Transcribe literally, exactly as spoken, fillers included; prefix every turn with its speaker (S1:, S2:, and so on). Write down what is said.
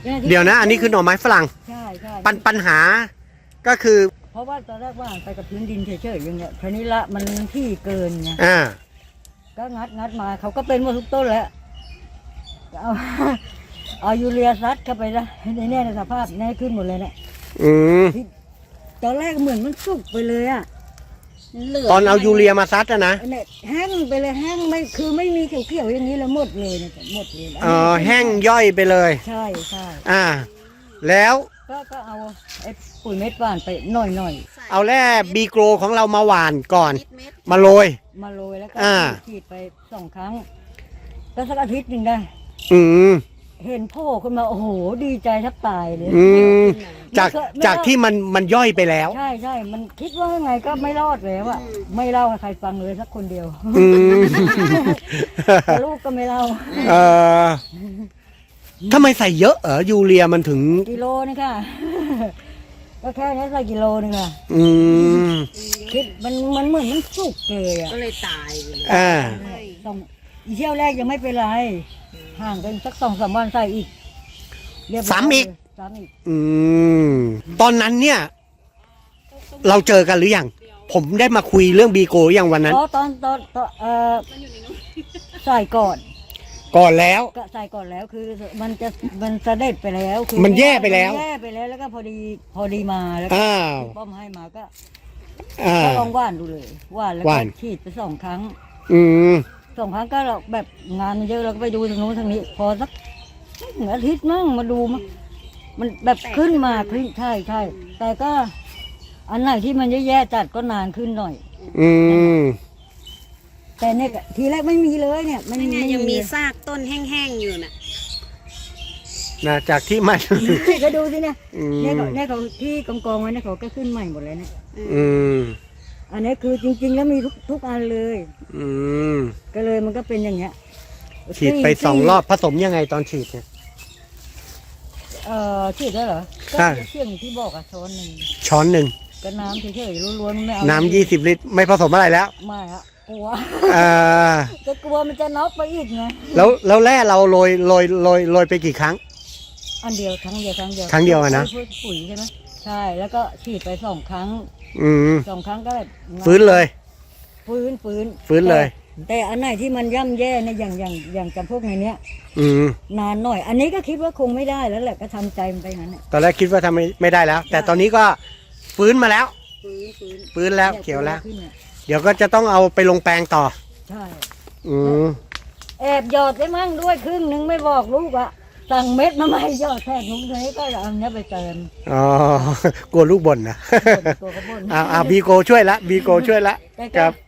S1: เดี๋ยวนะอันนี้คือหน่อไม้ฝรั่ง
S2: ใช่ใช่
S1: ปัญปัญหาก็คือ
S2: เพราะว่าตอนแรกว่าไปกับพื้นดินเฉยๆอย่างเงี้ยคราวนี้ละมันที่เกินไง
S1: อ่า
S2: ก็งัดงัดมาเขาก็เป็นหมดทุกต้นแล้วเอาเอายูเรียซัดเข้าไปนะในแน่ในสภาพแน่ขึ้นหมดเลยเนี่ย
S1: อืม
S2: ตอนแรกเหมือนมันสุกไปเลยอะ
S1: ตอนเอายูเรียมาซัดอะนะ
S2: เนี่ยแห้งไปเลยแห้งไม่คือไม่มีเขียวๆอย่างนี้แล้วหมดเลยเนี่ยหมดเลย
S1: อ๋อแห้งย่อยไปเลย
S2: ใช่ใช่
S1: อ่า แล้ว
S2: ก็ก็เอาไอ้ปุ๋ยเม็ดหว่านไปหน่อยหน่อย
S1: เอาแร่บีโกรของเรามาหว่านก่อน มาโรย
S2: มาโรยแล้วก็
S1: อ่า
S2: ฉีดไปสองครั้งก็สักอาทิตย์หนึ่งได้
S1: อืม
S2: เห็นโผล่ขึ้นมาโอ้โหดีใจแทบตายเลย
S1: อืมจากจากที่มันมันย่อยไปแล้ว
S2: ใช่ใช่มันคิดว่าไงก็ไม่รอดแล้วอะไม่เล่าให้ใครฟังเลยสักคนเดียว
S1: อืม
S2: แต่ลูกก็ไม่เล่า
S1: เอ่อทำไมใส่เยอะเออยูเรียมันถึง
S2: กิโลนี่ค่ะ ก็แค่นี้ใส่กิโลนึงค่ะ
S1: อืม
S2: คิดมันมันเหมือนมันสุกเลยอะ
S3: ก็เลยตายไปเลย
S1: อ่า
S2: ต้องอีเที่ยวแรกยังไม่เป็นไรห่างกันสักสองสามวันใส่อีกเรียบร้ย
S1: สามอีก
S2: สามอีก
S1: อืม ตอนนั้นเนี่ย เราเจอกันหรือยัง ผมได้มาคุยเรื่องบีโกอย่างวันนั้น
S2: อ๋อตอนตอนตอนเออใส่ก่อน
S1: ก่อนแล้ว
S2: ก็ใส่ก่อนแล้วคือมันจะมันเสด็จไปแล้วคือ
S1: มันแย่ไปแล้ว
S2: มันแย่ไปแล้วแล้วก็พอดีพอดีมาแล้วก็
S1: อ้าว
S2: ป้อมให้มาก็
S1: อ่า
S2: ก็ลองว่านดูเลยว่านแล้ว
S1: ว่าน
S2: ก็ฉีดไปสองครั้ง
S1: อืม
S2: สองครั้งก็เราแบบงานมันเยอะเราก็ไปดูทางโน้นทางนี้ พอสักหนึ่งอาทิตย์มั่งมาดูมั้งมันแบบขึ้นมาขึ้นใช่ใช่แต่ก็ อันไหนที่มันแย่ๆจัดก็นานขึ้นหน่อย
S1: อืม
S2: แต่เนี่ยทีแรกไม่มีเลยเนี่ยมัน
S3: นี่ไง
S2: ไม่
S3: ยังมี
S2: เลย
S3: ซากต้นแห้งๆอยู่น่ะ
S1: นะจากที่มัน
S2: ก็ดูสิเนี่ย
S1: อืม
S2: เนี่ยเขาเนี่ยเขาที่กองกองๆไว้เนี่ยเขาก็ขึ้นใหม่หมดเลยเนี่ย
S1: อืม
S2: อันนี้คือจริง ๆ แล้วมีทุกทุกอันเลย
S1: อืม
S2: ก็เลยมันก็เป็นอย่างเงี้ย
S1: ฉีดไปสองรอบผสมยังไงตอนฉีดเนี่ย
S2: เอ่อฉีดได้เหรอ
S1: ใช่
S2: ก็เชี่ยงที่บอกอะช้อนหนึ่ง
S1: ช้อนหนึ่ง
S2: ก็น้ำเฉยๆล้วนๆไม่เอา
S1: น้ำยี่สิบลิตร ไม่ผสมอะไรแล้ว
S2: ไม่อะกลัว
S1: อ่า
S2: ก็กลัวมันจะน็อกไปอีกไง
S1: แล้วแล้วแร่เราโรยโรยโรยโรยไปกี่ครั้ง
S2: อันเดียวครั้งเดียวครั้งเดียว
S1: ครั้งเดียวอะนะ
S2: ปุ๋ปุ๋ยใช่ไหมใช่แล้วก็ฉีดไปสองครั้ง
S1: อืม
S2: สองครั้งก็แบบ
S1: ฟื้นเลย
S2: ฟื้นฟื้น
S1: ฟื้นเลย
S2: แต่แต่อันไหนที่มันย่ำแย่เนี่ยอย่างอย่างอย่างจำพวกในเนี้ย
S1: อืม
S2: นานหน่อย อันนี้ก็คิดว่าคงไม่ได้แล้วแหละก็ทำใจมันไปงั้นแหละ
S1: ตอนแรกคิดว่าทำไม่ไม่ได้แล้ว แต่ตอนนี้ก็ฟื้นมาแล้ว
S2: ฟื้นฟื้น
S1: ฟื้นแล้ว
S2: นี่
S1: เขียวแล้ว
S2: ขึ้นนี่
S1: เดี๋ยวก็จะต้องเอาไปลงแปลงต่อ
S2: ใช่
S1: อืม
S2: แอบหยอดได้มั่งด้วยครึ่งนึงไม่บอกลูกอะสั่งเม็ดมาใหม่หยอดแทนนุ้งนี้ก็เอาเนี้ยไปเติม
S1: อ๋อกลัวลูกบ่นนะ
S2: ตัวกระบน
S1: อ่าอ่าบีโกช่วยละบีโกช่วยละ
S2: แต่
S1: ค
S2: ก็
S1: รับ